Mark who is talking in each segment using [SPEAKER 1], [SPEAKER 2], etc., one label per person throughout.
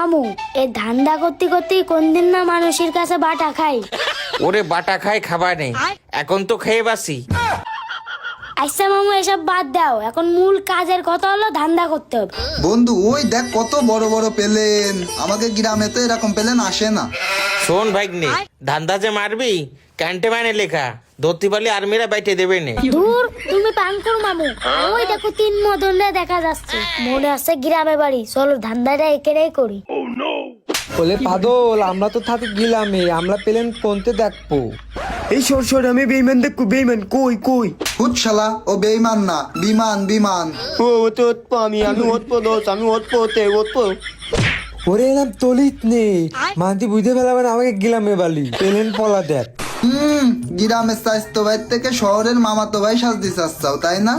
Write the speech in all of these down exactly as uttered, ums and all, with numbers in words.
[SPEAKER 1] মামু এই ধান্দা করতে করতে কোন দিন না মানুষের কাছে বাটা খাই।
[SPEAKER 2] ওরে বাটা খাই খাবার নেই, এখন তো খেয়ে বাসি।
[SPEAKER 1] আচ্ছা মামু এসব বাদ দাও, এখন মূল কাজের কথা হলো ধান্দা করতে হবে।
[SPEAKER 3] বন্ধু ওই দেখ কত বড় বড় প্লেন, আমাদের গ্রামে তো এরকম প্লেন আসে না।
[SPEAKER 2] শোন ভাগ্নে, ধান্দা যে মারবি ক্যান্টে মানে লেখা, ধরতে পারলে আর্মিরা বাইটে দেবে না।
[SPEAKER 1] দূর তুমি পান করো মামু, ওই দেখো তিন মদনরা দেখা যাচ্ছে, মনে আছে গ্রামে বাড়ি, চলো ধান্দাটা একেরাই করি।
[SPEAKER 4] বলে পাদল, আমরা তো থাকি গিলামে, আমরা প্লেন কোনতে দেখবো?
[SPEAKER 5] এই সর সর, আমি বেইমান দেখবো, বেইমান কই কই?
[SPEAKER 3] হুট শালা, ও বেইমান না, বিমান বিমান।
[SPEAKER 5] ও তো ওৎপ, আমি আমি ওৎপ দোষ, আমি ওৎপ ওতে ওৎপ।
[SPEAKER 4] ওরে এলাম তলিত নেই, মানতি বুঝতে পেলাম আমাকে গিলামে বালি প্লেন পলা দেখ।
[SPEAKER 3] হুম, গ্রামের স্বাস্থ্য ভাই থেকে শহরের মামাতো ভাই সাজতে চাচ্ছাও তাই না?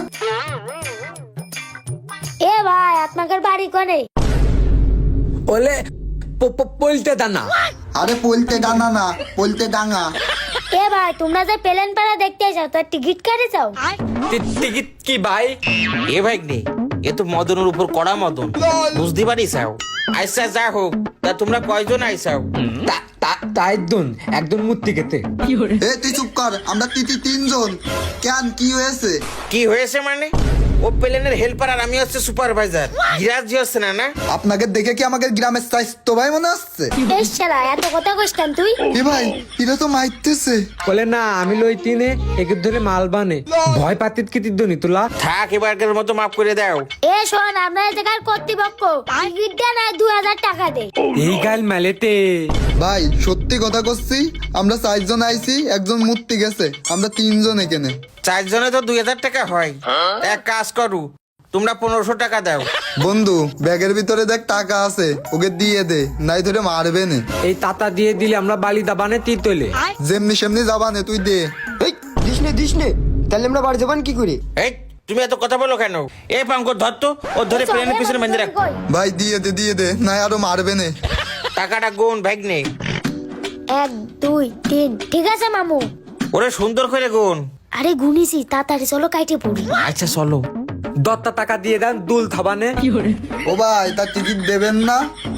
[SPEAKER 1] এ ভাই আপনাদের বাড়ি কোনে?
[SPEAKER 4] ওলে পলতে দানা।
[SPEAKER 3] আরে পলতে ডানা না, পলতে ডাঙা।
[SPEAKER 1] এ ভাই তোমরা যে প্লেন পাড়া দেখতে যাও তার টিকিট কাটে যাও।
[SPEAKER 4] টিকিট কি ভাই?
[SPEAKER 2] এ ভাগ্নে, এ তো মদনের উপর কড়া মদন, বুঝতে পারিস? আইসা যা হোক, তা তোমরা কয়জন আইসাও?
[SPEAKER 4] তা একজন একজন মূর্তি খেতে।
[SPEAKER 3] এ তুই চুপ কর, আমরা তিতি তিনজন। কেন কি হয়েছে?
[SPEAKER 2] কি হয়েছে মানে? ও প্লেনের হেল্পার আর আমি হচ্ছে সুপারভাইজার, গিরাজি হচ্ছে না না?
[SPEAKER 3] আপনাকে দেখে কি আমাদের গ্রামের স্বাস্থ্য ভাই মনে আসছে?
[SPEAKER 1] এই শালা এত কথা কইস কেন তুই?
[SPEAKER 3] এ ভাই এরা তো মাইতেছে।
[SPEAKER 4] বলে না আমি লই তিনে একে ধরে মাল বানে, ভয় পাতিত কি তিদ্দনি তোলা?
[SPEAKER 2] থাক, এবারকার মতো মাফ করে দাও।
[SPEAKER 1] এ শোন, আমরা এই জায়গার কর্তৃপক্ষ, টিকিটটা না দুই হাজার টাকা দে।
[SPEAKER 4] এই গাল মেলেতে
[SPEAKER 3] ভাই সত্যি কথা করছি, আমরা চারজন আইছি, একজন মূর্তি গেছে, আমরা তিনজন এখানে।
[SPEAKER 2] চারজনে তো দুই হাজার টাকা হয়। এক কাজ করু, তোমরা পনেরোশো টাকা দাও।
[SPEAKER 3] বন্ধু ব্যাগের ভিতরে দেখ টাকা আছে, ওকে দিয়ে দে, নাই ধরে মারবে না।
[SPEAKER 4] এই তাতা দিয়ে দিলে আমরা বালি দাবানে তীর তোলে।
[SPEAKER 3] যেমনি সেমনি যাবা নে, তুই দে।
[SPEAKER 5] এই দিস নে দিস নে, তাহলে আমরা বাড়ি যাবান কি করে?
[SPEAKER 2] এই তুমি এত কথা বলো কেন? এ পাঙ্কর ধর তো, ও ধরে প্লেনের পিছনে বেঁধে রাখ।
[SPEAKER 3] ভাই দিয়ে দে দিয়ে দে, নাই আরো মারবে না।
[SPEAKER 2] টাকাটা গুন ভাগ্নে।
[SPEAKER 1] এক দুই তিন, ঠিক আছে মামু।
[SPEAKER 2] ওরে সুন্দর করে গুন।
[SPEAKER 1] আরে গুনিছি, তাড়াতাড়ি চলো কাইটে পড়ি।
[SPEAKER 2] আচ্ছা চলো।
[SPEAKER 4] দত্তা টাকা দিয়ে দেন দুল থাবানে।
[SPEAKER 3] ও ভাই তার টিকিট দেবেন না?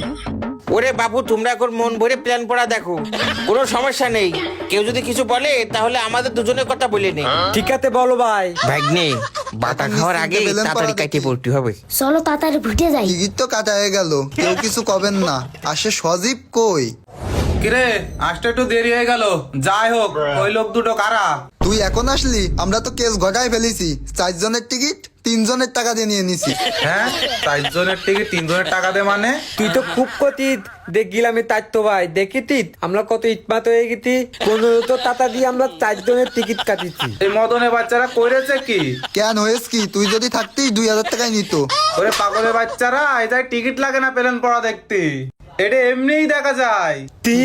[SPEAKER 2] ওরে বাবু, তোমরা এখন মন ভরে প্ল্যান পড়া দেখো, কোনো সমস্যা নেই। কেউ যদি কিছু বলে তাহলে আমাদের দুজনের কথা বলে নে।
[SPEAKER 4] ঠিক আছে বলো ভাই।
[SPEAKER 2] ভাগ্নে, বাতা খাওয়ার আগে
[SPEAKER 3] প্ল্যান
[SPEAKER 2] তাড়াতাড়ি
[SPEAKER 3] পড়া
[SPEAKER 2] কাইটে
[SPEAKER 3] দেখি।
[SPEAKER 2] পড়তে হবে।
[SPEAKER 1] চলো তাড়াতাড়ি ভুটে যাই।
[SPEAKER 3] টিকিট তো কাটা হয়ে গেল, কেউ কিছু কবেন না। আসে সজীব কই?
[SPEAKER 6] কিরে, আসতে একটু দেরি হয়ে গেল। যাই হোক, ওই লোক দুটো কারা?
[SPEAKER 3] তুই এখন আসলি? আমরা তো কেস ঘটায় ফেলেছি, চারজনের টিকিট তিনজনের টাকা দিয়ে নিয়ে নিছি।
[SPEAKER 6] হ্যাঁ, চারজনের টিকিট তিনজনের টাকা দে মানে?
[SPEAKER 4] তুই তো খুব কতিত দেখ গিলামে তাই তো ভাই দেখিতিত আমরা কত ইটমাত হয়ে গেছি, পনেরো তো টাকা দিয়ে আমরা চারজনের টিকিট কাটিছি।
[SPEAKER 6] এই মদনের বাচ্চারা করেছে কি?
[SPEAKER 3] কেন হয়েছে কি? তুই যদি থাকতিস দুই হাজার টাকায় নিত।
[SPEAKER 6] ওরে পাগলের বাচ্চারা, এটাই টিকিট লাগে না প্লেন পড়া দেখতে, এটা এমনিই দেখা যায়।
[SPEAKER 4] তি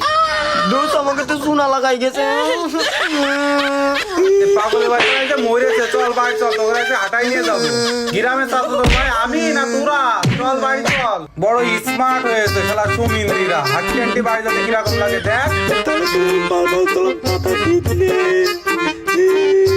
[SPEAKER 5] দোষ আমাকে তো শোনা লাগাই গেছে।
[SPEAKER 6] এই পাগলের বাচ্চারা এটা মরেছে, চল বাড়ি চল, তোকে এসে হাঁটাই নিয়ে যাবো। গ্রামে চাচা তো ভাই আমি না তোরা, চল বাড়ি চল। বড় স্মার্ট হয়েছে শালা সুমিন্দ্রিরা, হাঁটি হাঁটি বাড়ি যাতে কিরকম লাগে দেখ।